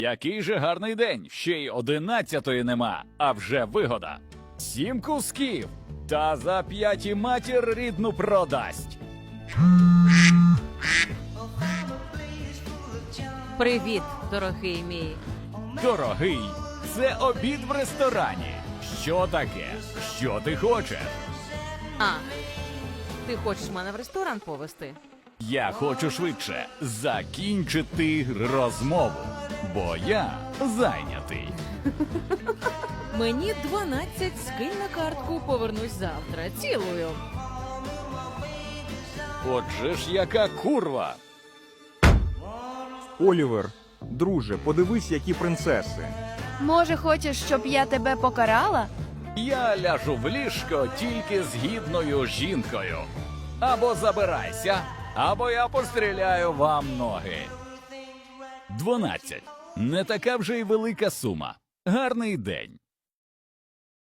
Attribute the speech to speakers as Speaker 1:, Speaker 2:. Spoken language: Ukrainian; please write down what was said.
Speaker 1: Який же гарний день, ще й 11-ї нема, а вже вигода. 7 кусків, та за 5 матір рідну продасть.
Speaker 2: Привіт, дорогий мій.
Speaker 1: Дорогий, це обід в ресторані. Що таке? Що ти хочеш?
Speaker 2: А, ти хочеш мене в ресторан повезти?
Speaker 1: Я хочу швидше закінчити розмову, бо я зайнятий.
Speaker 2: Мені 12, скинь на картку, повернусь завтра. Цілую.
Speaker 1: Отже ж яка курва.
Speaker 3: Олівер, друже, подивись, які принцеси.
Speaker 4: Може, хочеш, щоб я тебе покарала?
Speaker 1: Я ляжу в ліжко тільки з гідною жінкою. Або забирайся, або я постріляю вам ноги. 12. Не така вже й велика сума. Гарний день.